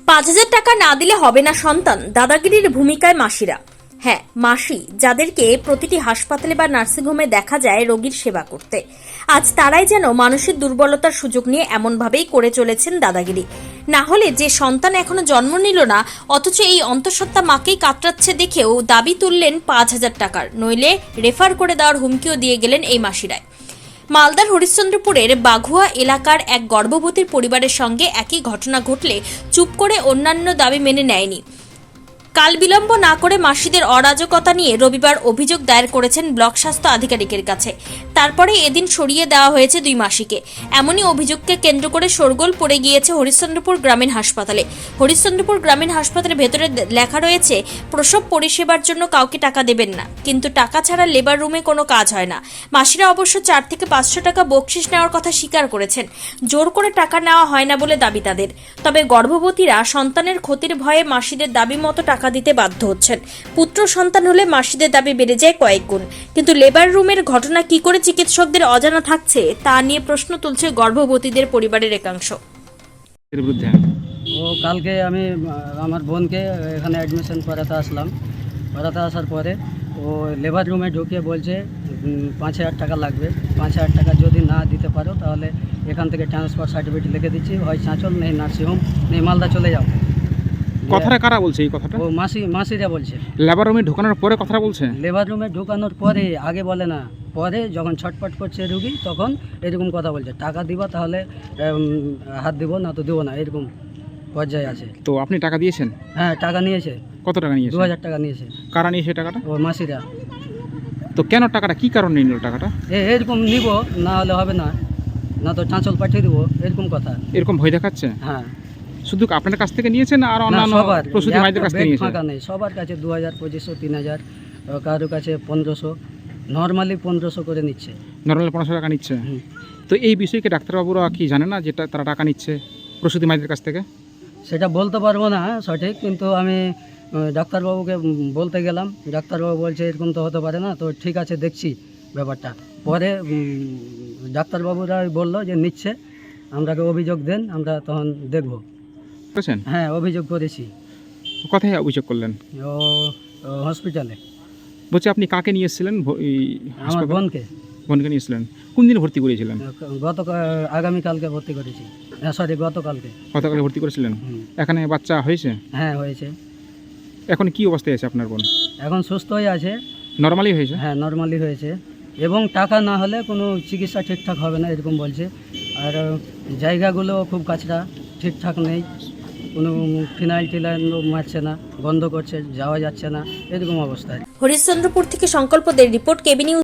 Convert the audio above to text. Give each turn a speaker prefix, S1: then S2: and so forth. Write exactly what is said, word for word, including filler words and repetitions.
S1: পাঁচ হাজার টাকা না দিলে হবে না সন্তান, দাদাগিরির ভূমিকায় মাসিরা। হ্যাঁ, মাসি যাদেরকে প্রতিটি হাসপাতালে বা নার্সিংহোমে দেখা যায় রোগীর সেবা করতে, আজ তারাই যেন মানুষের দুর্বলতার সুযোগ নিয়ে এমনভাবেই করে চলেছেন দাদাগিরি। না হলে যে সন্তান এখনো জন্ম নিল না, অথচ এই অন্তঃসত্ত্বা মাকেই কাতরাচ্ছে দেখেও দাবি তুললেন পাঁচ হাজার টাকার, নইলে রেফার করে দেওয়ার হুমকিও দিয়ে গেলেন এই মাসিরাই। মালদার হরিশ্চন্দ্রপুরের বাঘুয়া এলাকার এক গর্ভবতীর পরিবারের সঙ্গে একই ঘটনা ঘটলে চুপ করে অন্যান্য দাবি মেনে নেয়নি। কাল বিলম্ব না করে মাসিদের অরাজকতা নিয়ে রবিবার অভিযোগ দায়ের করেছেন ব্লক স্বাস্থ্য আধিকারিকের কাছে। তারপরে এদিন সরিয়ে দেওয়া হয়েছে দুই মাসিকে। এমনই অভিযোগকে কেন্দ্র করে শোরগোল পড়ে গিয়েছে হরিশ্চন্দ্রপুর গ্রামীণ হাসপাতালে। হরিশ্চন্দ্রপুর গ্রামীণ হাসপাতালের ভেতরে লেখা রয়েছে, প্রসব পরিষেবার জন্য কাউকে টাকা দেবেন না, কিন্তু টাকা ছাড়া লেবার রুমে কোনো কাজ হয় না। মাসিরা অবশ্য চার থেকে পাঁচশো টাকা বকশিস নেওয়ার কথা স্বীকার করেছেন। জোর করে টাকা নেওয়া হয় না বলে দাবি তাদের। তবে গর্ভবতীরা সন্তানের ক্ষতির ভয়ে মাসিদের দাবি মতো টাকা দিতে বাধ্য হচ্ছেন। পুত্র সন্তান হলে মাসিদের দাবি বেড়ে যায় কয়েক গুণ। কিন্তু লেবার রুমের ঘটনা কি করে চিকিৎসকদের অজানা থাকছে তা নিয়ে প্রশ্ন তুলছে গর্ভবতীদের পরিবারের একাংশ।
S2: ও কালকে আমি আমার বোনকে এখানে অ্যাডমিশন করাতে আসলাম। করাতে আসার পরে ও লেবার রুমে ঢুকিয়ে বলছে পাঁচ হাজার টাকা লাগবে। পাঁচ হাজার টাকা যদি না দিতে পারো তাহলে এখান থেকে ট্রান্সফার সার্টিফিকেট লিখে দিচ্ছি, হয় চাঁচল নেই নার্সিংহোম নেই মালদা চলে যাও।
S3: কথাটা কারা বলছে এই কথাটা?
S2: ও মাসি মাসিরা বলছে।
S3: লেবার রুমে ঢোকানোর পরে কথাটা বলছে?
S2: লেবার রুমে ঢোকানোর পরে, আগে বলে না, পরে যখন ছটপট করছে রুগী তখন এরকম কথা বলছে, টাকা দিবা তাহলে হাত দিব, না তো দেবো না, এরকম পর্যায়ে আছে।
S3: তো আপনি টাকা দিয়েছেন?
S2: হ্যাঁ, টাকা নিয়েছে।
S3: কত টাকা নিয়েছে?
S2: দু হাজার টাকা নিয়েছে।
S3: কারা নিয়েছে টাকাটা?
S2: ও মাসিরা।
S3: তো কেন টাকাটা, কি কারণে নিল টাকাটা?
S2: এ এরকম নিব, না হলে হবে না, না তো চাঁচল পাঠিয়ে দেবো, এরকম কথা।
S3: এরকম ভয় দেখাচ্ছে?
S2: হ্যাঁ।
S3: শুধু আপনার কাছ থেকে নিয়েছেন আর অন্যান্য প্রসূতি মায়েদের কাছ থেকে নিয়েছেন?
S2: ফাঁকা নেই, সবার কাছে দু হাজার পঁচিশশো তিন হাজার কারোর কাছে পনেরোশো, নর্মালি পনেরোশো করে নিচ্ছে।
S3: নর্মালি পনেরোশো টাকা নিচ্ছে? তো এই বিষয়কে ডাক্তারবাবুরা কি জানে না যেটা তারা টাকা নিচ্ছে প্রসূতি মায়েদের কাছ থেকে?
S2: সেটা বলতে পারবো না সঠিক, কিন্তু আমি ডাক্তারবাবুকে বলতে গেলাম, ডাক্তারবাবু বলছে এরকম তো হতে পারে না, তো ঠিক আছে দেখছি ব্যাপারটা। পরে ডাক্তারবাবুরা বললো যে নিচ্ছে, আমরাকে অভিযোগ দেন, আমরা তখন দেখবো। হ্যাঁ, অভিযোগ করেছি।
S3: কোথায় অভিযোগ করলেন?
S2: ও হসপিটালে।
S3: বলছি আপনি কাকে নিয়ে এসেছিলেন?
S2: আমার বোনকে।
S3: বোনকে নিয়েছিলেন? কোন দিন ভর্তি করেছিলেন?
S2: গত আগামীকালকে ভর্তি করেছি, সরি গতকালকে।
S3: গতকালকে ভর্তি করেছিলেন? এখানে বাচ্চা হয়েছে?
S2: হ্যাঁ, হয়েছে।
S3: এখন কি অবস্থায় আছে আপনার বোন?
S2: এখন সুস্থ হয়ে আছে।
S3: নর্মালি হয়েছে?
S2: হ্যাঁ, নর্মালি হয়েছে, এবং টাকা না হলে কোনো চিকিৎসা ঠিকঠাক হবে না এরকম বলছে। আর জায়গাগুলো খুব কাছরা, ঠিকঠাক নেই, কোনো ফিনাইল টিনাইল মারছে না, বন্ধ করছে, যাওয়া যাচ্ছে না, এরকম অবস্থায়।
S1: হরিশ্চন্দ্রপুর থেকে সংকল্পদের রিপোর্ট, কেবি নিউজ।